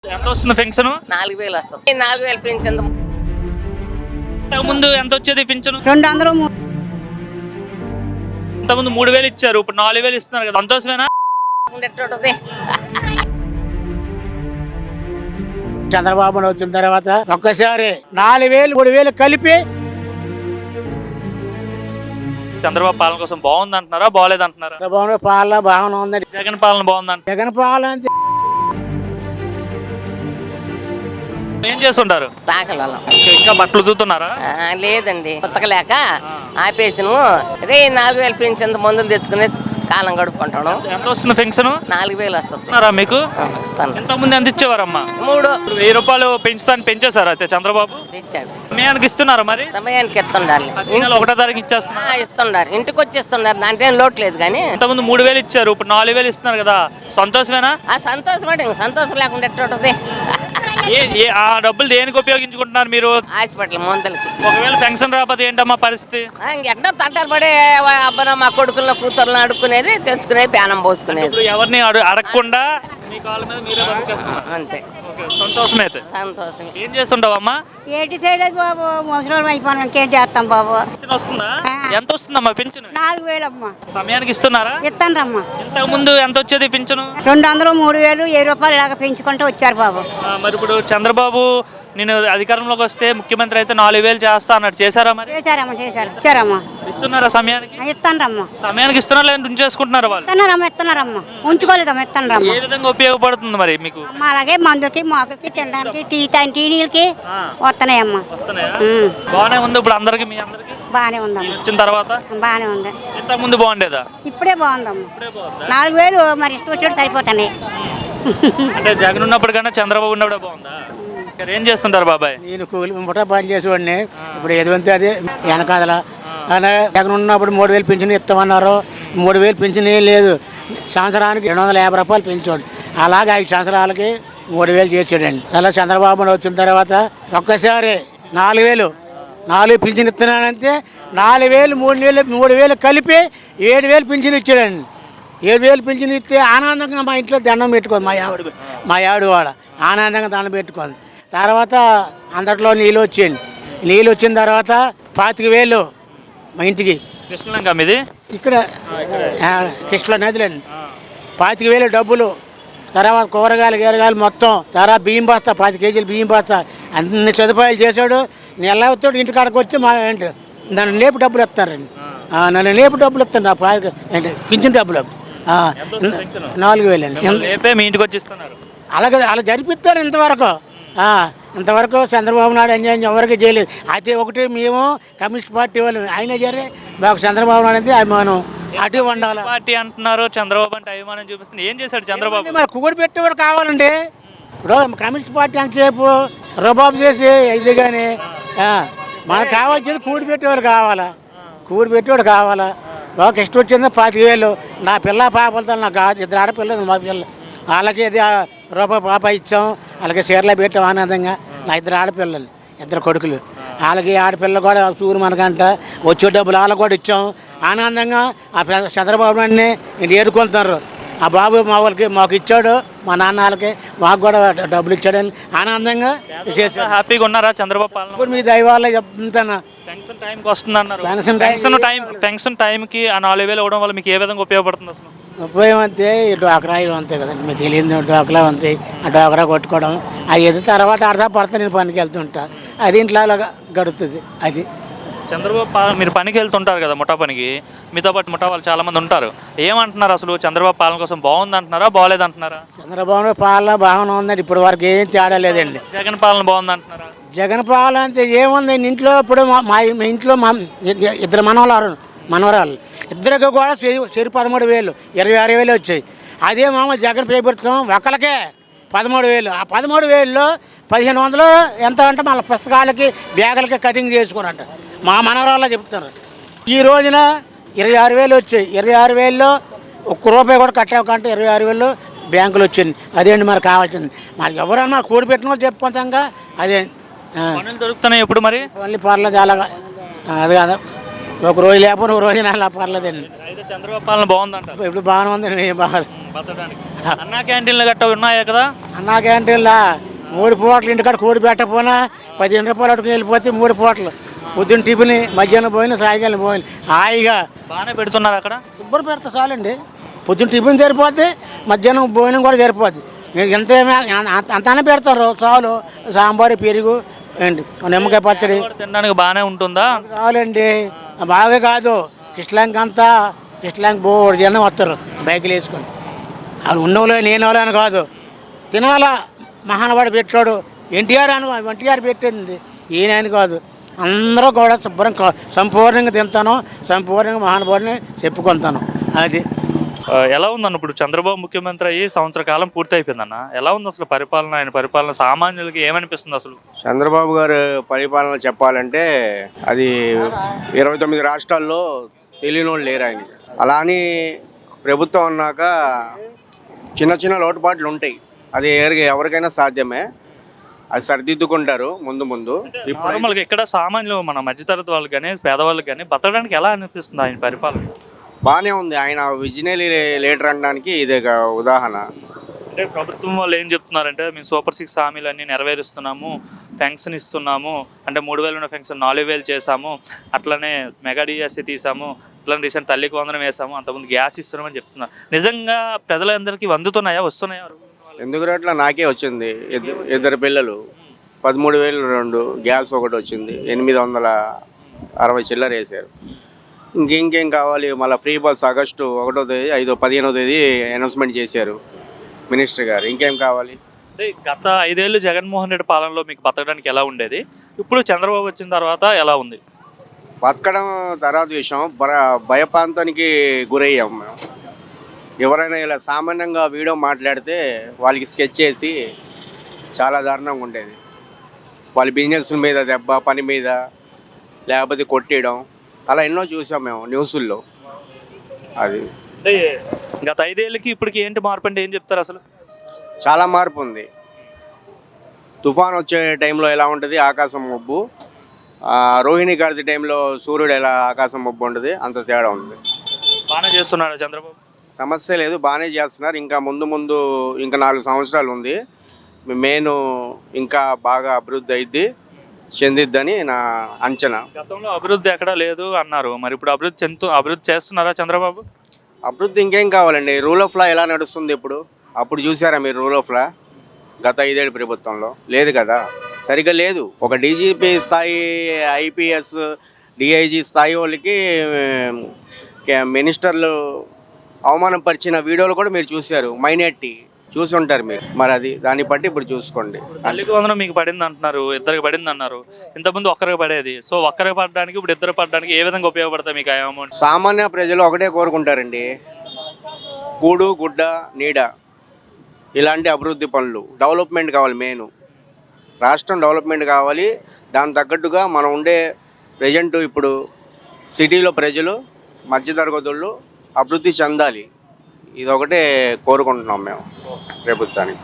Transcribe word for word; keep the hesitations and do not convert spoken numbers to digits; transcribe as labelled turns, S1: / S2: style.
S1: ఎంత వస్తుంది పెన్షన్?
S2: నాలుగు వేలు వస్తుంది. నాలుగు వేలు పెన్షన్.
S1: ముందు ఎంత వచ్చేది పెన్షన్?
S3: రెండు వందలు.
S1: ఇంతకుముందు మూడు వేలు ఇచ్చారు, ఇప్పుడు నాలుగు వేలు ఇస్తున్నారు కదా, సంతోషమేనా?
S4: చంద్రబాబు వచ్చిన తర్వాత ఒక్కసారి నాలుగు వేలు మూడు వేలు కలిపి
S1: చంద్రబాబు పాలన కోసం బాగుంది అంటున్నారా, బాగాలేదు అంటున్నారా?
S4: చంద్రబాబు పాలన బాగానే ఉంది.
S1: జగన్ పాలన బాగుందంట.
S4: జగన్ పాలన
S1: ఏం చేస్తుంటారు?
S2: తాకలలో
S1: ఇంకా బట్టలు ఉతుకుతున్నారా?
S2: లేదండి, ఉతకలేక ఆపేసిను. రే నాలుగు వేలు పెన్షన్ మందులు తెచ్చుకుని కాలం గడుపుకుంటాను.
S1: ఎంత వస్తుంది పెన్షన్?
S2: నాలుగు వేలు వస్తుంది.
S1: మీకు
S2: వస్తాను.
S1: ఎంత ముందు ఎంత ఇచ్చేవారమ్మా?
S2: మూడు
S1: వెయ్యి రూపాయలు పెంచుతాను పెంచేశారు అయితే చంద్రబాబు
S2: ఇచ్చాడు.
S1: సమయానికి ఇస్తున్నారా? మరి
S2: సమయానికి ఇస్తుండాలి.
S1: ఒకటో తారీఖు ఇచ్చేస్తున్నారు.
S2: ఇస్తున్నారు, ఇంటికి వచ్చేస్తున్నారు, దాంట్లో ఏం లోటు లేదు. కానీ
S1: ఇంతకుముందు మూడు వేలు ఇచ్చారు, ఇప్పుడు నాలుగు వేలు ఇస్తున్నారు కదా, సంతోషమేనా?
S2: ఆ సంతోషం అంటే ఇంక సంతోషం లేకుండా ఎట్టుంటది?
S1: ఆ డబ్బులు దేనికి ఉపయోగించుకుంటున్నారు మీరు?
S2: హాస్పిటల్ మందులకి.
S1: ఒకవేళ పెన్షన్ రాకపోతే ఏంటమ్మా పరిస్థితి?
S2: ఇంకెట్టో తట్టాలు పడే అబ్బన మా కొడుకుల్లో కూతుర్లు అడుక్కునేది, తెచ్చుకునేది, ప్యానం పోసుకునేది.
S1: ఎవరిని అడగకుండా మీ కాళ్ళ మీద మీరే బతికేస్తున్నారు.
S2: అంతే.
S1: సంతోషమే. అయితే
S2: సంతోషం.
S1: ఏం చేస్తుంటావమ్మా?
S3: ఏటి చేయలేదు బాబు, ముసలి అయిపోయినా ఇంకేం చేస్తాం బాబు.
S1: పెన్షన్ వస్తుందా? ఎంత వస్తుందమ్మా పెన్షన్?
S3: నాలుగు వేలు అమ్మా.
S1: సమయానికి ఇస్తున్నారా?
S3: ఇస్తాను రమ్మా.
S1: ఇంతకు ముందు ఎంత వచ్చేది పెన్షన్?
S3: రెండు వందలు మూడు వేలు వెయ్యి రూపాయలు ఇలాగ పెంచుకుంటూ వచ్చారు బాబు.
S1: మరి ఇప్పుడు చంద్రబాబు నేను అధికారంలోకి వస్తే ముఖ్యమంత్రి అయితే నాలుగు వేలు చేస్తా అన్నట్టు చేశారా? మరి
S3: చేశారమ్మా, చేశారు. ఇచ్చారమ్మా.
S1: ఇస్తున్నారా సమయానికి?
S3: ఇస్తాను రమ్మా.
S1: సమయానికి ఇస్తున్నా లేదంటే ఉంచేసుకుంటున్నారు వాళ్ళు?
S3: ఇస్తున్నారమ్మా, ఇస్తున్నారమ్మా. ఉంచుకోలేదమ్మా, ఇస్తాను రమ్మా.
S1: ఏ విధంగా ఉపయోగపడుతుంది మరి మీకు?
S3: అమ్మా అలాగే మందులకి మాకుకి తినడానికి టీ టీ నీళ్ళకి వస్తున్నాయమ్మా.
S1: వస్తున్నాయా? బాగానే ఉంది ఇప్పుడు అందరికి, మీ అందరికి
S3: బాగానే ఉందమ్మా.
S1: వచ్చిన తర్వాత
S3: బాగానే ఉంది.
S1: ఇంత ముందు బాగుండేదా?
S3: ఇప్పుడే బాగుందమ్మా. నాలుగు వేలు మరి ఇష్టం వచ్చేది సరిపోతాయి.
S1: అంటే జగన్ ఉన్నప్పుడు కన్నా చంద్రబాబు ఉన్నప్పుడే బాగుందా? ఏం చేస్తుంటారు బాబాయ్?
S4: నేను కూలి ముఠా పని చేసేవాడిని. ఇప్పుడు ఏదంటే అది వెనకాదల జగన్ ఉన్నప్పుడు మూడు వేలు పెన్షన్ ఇస్తామన్నారు. మూడు వేలు పెన్షన్ ఏం లేదు. సంవత్సరానికి రెండు వందల యాభై రూపాయలు పెంచాడు. అలాగే ఐదు సంవత్సరాలకి మూడు వేలు చేసాడండి. అలా చంద్రబాబు వచ్చిన తర్వాత ఒక్కసారి నాలుగు వేలు నాలుగు పింఛన్ ఇస్తున్నానంటే నాలుగు వేలు మూడు వేలు మూడు వేలు కలిపి ఏడు వేలు పింఛన్ ఇచ్చాడండి. ఏడు వేలు పింఛన్ ఇస్తే ఆనందంగా మా ఇంట్లో దండం పెట్టుకోండి. మా ఆవిడ మా ఆవిడ వాడ ఆనందంగా దండం పెట్టుకోండి. తర్వాత అందట్లో నీళ్ళు వచ్చేయండి. నీళ్ళు వచ్చిన తర్వాత పాతిక వేలు మా ఇంటికి
S1: కృష్ణలంక మీది
S4: ఇక్కడ కృష్ణ నదిలండి. పాతిక వేలు డబ్బులు, తర్వాత కూరగాయలు గీరగాయలు మొత్తం, తర్వాత బియ్యం బస్తా పది కేజీలు బియ్యం బస్తా అన్ని సదుపాయాలు చేశాడు. నేను ఎలా వస్తాడు ఇంటికాడకు వచ్చి మా ఏంటి నన్ను లేపు డబ్బులు ఇస్తారండి. నన్ను లేపు డబ్బులు ఇస్తాను. నా పాతిక ఏంటి పింఛన్ డబ్బులు నాలుగు వేలు అండి.
S1: మీ ఇంటికి వచ్చి ఇస్తున్నారు.
S4: అలాగే అలా జరిపిస్తారు. ఇంతవరకు ఇంతవరకు చంద్రబాబు నాయుడు ఎంజాయ్ ఎవరికి చేయలేదు. అయితే ఒకటి మేము కమ్యూనిస్ట్ పార్టీ వాళ్ళు ఆయన జరే మాకు చంద్రబాబు నాయుడు అంటే అభిమానం అటు ఉండాలి.
S1: పార్టీ అంటున్నారు, చంద్రబాబు అంటే అభిమానం చూపిస్తుంది. ఏం చేశాడు చంద్రబాబు?
S4: మరి కూడి పెట్టేవాడు కావాలండి. ఇప్పుడు కమ్యూనిస్ట్ పార్టీ అంతసేపు రబాబు చేసి ఇది కానీ మనకు కావాల్సింది కూడి పెట్టేవాడు కావాలా. కూడి పెట్టేవాడు కావాలా. ఒక ఇష్టం వచ్చింది పాతిక వేలు. నా పిల్ల పాపలతో నాకు ఇద్దరు ఆడపిల్లలు మా పిల్ల వాళ్ళకి ఇది రూపాయి పాప ఇచ్చాం. వాళ్ళకి చీరలో పెట్టాం ఆనందంగా. నా ఇద్దరు ఆడపిల్లలు, ఇద్దరు కొడుకులు. వాళ్ళకి ఆడపిల్ల కూడా చూరు మనకంట వచ్చే డబ్బులు వాళ్ళకి కూడా ఇచ్చాం ఆనందంగా. ఆ చంద్రబాబు నాయుడిని నేను ఏడుకుంటున్నారు. ఆ బాబు మా వాళ్ళకి మాకు ఇచ్చాడు, మా నాన్న వాళ్ళకి మాకు కూడా డబ్బులు ఇచ్చాడని ఆనందంగా చేశాడు.
S1: హ్యాపీగా ఉన్నారా చంద్రబాబు పాలన?
S4: ఇప్పుడు మీ దైవాల్లో చెప్తాను.
S1: పెన్షన్ టైంకి వస్తుంది అన్నారు.
S4: పెన్షన్
S1: పెన్షన్ టైం పెన్షన్ టైంకి ఆ నాలుగు వేలు ఇవ్వడం వల్ల మీకు ఏ విధంగా ఉపయోగపడుతుంది అసలు?
S4: ఉపయోగం అంతే. ఈ డోకరా ఇవి అంతే కదండి, మీకు తెలియదు. డోకలా అంతే. ఆ డోకరా కొట్టుకోవడం అవి ఏదో తర్వాత ఆడతా పడతా నేను పనికి వెళ్తుంటా. అది ఇంట్లో అలాగా గడుపుతుంది. అది
S1: చంద్రబాబు మీరు పనికి వెళ్తుంటారు కదా, ముఠా పనికి. మీతో పాటు ముఠా వాళ్ళు చాలా మంది ఉంటారు. ఏమంటున్నారు అసలు? చంద్రబాబు పాలన కోసం బాగుంది అంటున్నారా, బాగాలేదు అంటున్నారా?
S4: చంద్రబాబు పాలన బాగానే ఉందండి. ఇప్పటి వరకు ఏం తేడా లేదండి.
S1: జగన్ పాలన బాగుంది అంటున్నారా?
S4: జగన్ పాలన అంటే ఏముంది ఇంట్లో. ఇప్పుడు మా ఇంట్లో మా ఇద్దరు మనవరాలు మనవరాలు ఇద్దరికి కూడా చెరు పదమూడు వేలు ఇరవై ఆరు వేలు వచ్చాయి. అదే మామ జగన్ ప్రభుత్వం ఒకరికే పదమూడు వేలు. ఆ పదమూడు వేలలో పదిహేను వందలు ఎంత అంటే మళ్ళీ పుస్తకాలకి బ్యాగులకి కటింగ్ చేసుకున్నట్ట మా మనవరాల్లో చెప్తున్నారు. ఈ రోజున ఇరవై ఆరు వేలు వచ్చాయి. ఇరవై ఆరు వేలలో ఒక్క రూపాయి కూడా కట్టాకంటే ఇరవై ఆరు వేలు బ్యాంకులు వచ్చింది. అదేంటి మరి కావాల్సింది. మరి ఎవరన్నా మరి కూడి పెట్టిన వాళ్ళు చెప్పుకుంటాంగా. అదే
S1: దొరుకుతున్నాయి ఇప్పుడు మరి
S4: మళ్ళీ పర్లేదు అలాగా. అది కదా ఒక రోజు లేకపోతే ఒక రోజు అలా పర్లేదండి.
S1: చంద్రబాబు పాలన బాగుందంట.
S4: ఇప్పుడు బాగానే ఉందండి. బాగా
S1: అన్నా క్యాంటీన్లు గట్ట ఉన్నాయా కదా?
S4: అన్నా క్యాంటీన్లా మూడు పూటలు ఇంటికాడ కోడి పెట్టకపోయినా పదిహేను రూపాయలు అటుకుని వెళ్ళిపోతే మూడు పూటలు పొద్దున్న టిఫిన్, మధ్యాహ్నం పోయిన, సాయంకాలం పోయిన హాయిగా
S1: బాగానే పెడుతున్నారు అక్కడ.
S4: శుభ్రం పెడతా చాలండి. పొద్దున్న టిఫిన్ సరిపోద్ది, మధ్యాహ్నం భోజనం కూడా సరిపోద్ది. మీకు ఎంత అంతానే పెడతారు చాలు. సాంబారు, పెరుగు, ఏంటి నిమ్మకాయ పచ్చడి
S1: కూడా తినడానికి బాగానే ఉంటుందా?
S4: చాలండి. బాగా కాదు, కృష్ణలంక అంతా కృష్ణలంక బోర్డు జనం వస్తారు బైకులు వేసుకొని. వాళ్ళు ఉన్నోళ్ళు నేను వాళ్ళు అని కాదు, తినాలా. మహానవాడు పెట్టాడు, ఎన్టీఆర్ అను ఎన్టీఆర్ పెట్టింది, ఈయన అని కాదు. అందరూ కూడా శుభ్రం సంపూర్ణంగా తింటాను, సంపూర్ణంగా మహానుభావుడిని చెప్పుకుంటాను. అది
S1: ఆ, ఎలా ఉందన్న ఇప్పుడు చంద్రబాబు ముఖ్యమంత్రి అయ్యి సంవత్సర కాలం పూర్తి అయిపోయిందన్న, ఎలా ఉంది అసలు పరిపాలన? ఆయన పరిపాలన సామాన్యులకి ఏమనిపిస్తుంది అసలు?
S5: చంద్రబాబు గారు పరిపాలన చెప్పాలంటే అది ఇరవై తొమ్మిది రాష్ట్రాల్లో తెలియని వాళ్ళు లేరు ఆయనకి. అలా అని ప్రభుత్వం అన్నాక చిన్న చిన్న లోటుపాట్లు ఉంటాయి, అది ఎవరికి ఎవరికైనా సాధ్యమే. అది సరిదిద్దుకుంటారు ముందు ముందు. ఇప్పుడు
S1: నార్మల్గా ఇక్కడ సామాన్యులు మన మధ్యతరగతి వాళ్ళకి కానీ పేదవాళ్ళకి కానీ బతకడానికి ఎలా అనిపిస్తుంది ఆయన పరిపాలన?
S5: బాగానే ఉంది. ఆయన విజనరీ లీడర్ అనడానికి ఇదే ఒక ఉదాహరణ.
S1: అంటే ప్రభుత్వం వాళ్ళు ఏం చెప్తున్నారంటే మేము సూపర్ సిక్స్ హామీలన్నీ నెరవేరుస్తున్నాము, ఫెన్షన్ ఇస్తున్నాము, అంటే మూడు వేలు ఉన్న ఫెన్షన్ నాలుగు వేలు చేసాము, అట్లనే మెగా డిఎస్సి తీసాము, అట్లనే రీసెంట్ తల్లికి వందనం వేసాము, అంతకుముందు గ్యాస్ ఇస్తున్నామని చెప్తున్నారు. నిజంగా ప్రజలందరికీ అందుతున్నాయా, వస్తున్నాయా?
S5: ఎందుకు అట్లా నాకే వచ్చింది. ఇద్దరు ఇద్దరు పిల్లలు, పదమూడు వేలు రెండు, గ్యాస్ ఒకటి వచ్చింది, ఎనిమిది వందల అరవై చిల్లర వేసారు. ఇంకేం కావాలి? మళ్ళీ ఫ్రీ బస్ ఆగస్టు ఒకటో తేదీ ఐదో పదిహేనో తేదీ అనౌన్స్మెంట్ చేశారు మినిస్టర్ గారు. ఇంకేం కావాలి?
S1: అంటే గత ఐదేళ్ళు జగన్మోహన్ రెడ్డి పాలనలో మీకు బతకడానికి ఎలా ఉండేది, ఇప్పుడు చంద్రబాబు వచ్చిన తర్వాత ఎలా ఉంది?
S5: బతకడం తర్వాత విషయం, భర భయప్రాంతానికి గురయ్యాం మేము. ఎవరైనా ఇలా సామాన్యంగా వీడియో మాట్లాడితే వాళ్ళకి స్కెచ్ చేసి చాలా దారుణంగా ఉండేది. వాళ్ళ బిజినెస్ మీద దెబ్బ, పని మీద, లేకపోతే కొట్టేయడం, అలా ఎన్నో చూసాం మేము న్యూసుల్లో. అది
S1: అంటే గత ఐదేళ్ళకి ఇప్పటికి ఏంటి మార్పు అంటే ఏం చెప్తారు అసలు?
S5: చాలా మార్పు ఉంది. తుఫాన్ వచ్చే టైంలో ఎలా ఉంటుంది ఆకాశం మబ్బు, రోహిణి గారి టైంలో సూర్యుడు ఎలా ఆకాశం మబ్బు ఉంటుంది, అంత తేడా ఉంది.
S1: బాగానే చేస్తున్నాడు చంద్రబాబు.
S5: సమస్య లేదు, బాగానే చేస్తున్నారు. ఇంకా ముందు ముందు ఇంకా నాలుగు సంవత్సరాలు ఉంది. మెయిన్ ఇంకా బాగా అభివృద్ధి అయింది, చెందిద్దని నా అంచనా.
S1: గతంలో అభివృద్ధి ఎక్కడా లేదు అన్నారు, మరి ఇప్పుడు అభివృద్ధి చెందుతూ అభివృద్ధి చేస్తున్నారా చంద్రబాబు?
S5: అభివృద్ధి ఇంకేం కావాలండి? రూల్ ఆఫ్ లా ఎలా నడుస్తుంది ఇప్పుడు? అప్పుడు చూసారా మీరు రూల్ ఆఫ్ లా? గత ఐదేళ్ళు ప్రభుత్వంలో లేదు కదా, సరిగ్గా లేదు. ఒక డీజీపీ స్థాయి, ఐపీఎస్, డిఐజీ స్థాయి వాళ్ళకి మినిస్టర్లు అవమానపరిచిన వీడియోలు కూడా మీరు చూశారు, మైనారిటీ చూసి ఉంటారు మీరు. మరి అది దాన్ని బట్టి ఇప్పుడు చూసుకోండి.
S1: తల్లికి వందనం మీకు పడింది అంటున్నారు, ఇద్దరికి పడింది అన్నారు, ఇంతకుముందు ఒక్కరికి పడేది. సో ఒక్కరికి పడడానికి ఇప్పుడు ఇద్దరు పడడానికి ఏ విధంగా ఉపయోగపడతాయి మీకు ఆ అమౌంట్?
S5: సామాన్య ప్రజలు ఒకటే కోరుకుంటారండి, కూడు గుడ్డ నీడ, ఇలాంటి అభివృద్ధి పనులు, డెవలప్మెంట్ కావాలి. మెయిన్ రాష్ట్రం డెవలప్మెంట్ కావాలి. దాని తగ్గట్టుగా మనం ఉండే ప్రజెంట్ ఇప్పుడు సిటీలో ప్రజలు, మధ్యతరగతులు అభివృద్ధి చెందాలి. ఇది ఒకటే కోరుకుంటున్నాం మేము ప్రభుత్వానికి.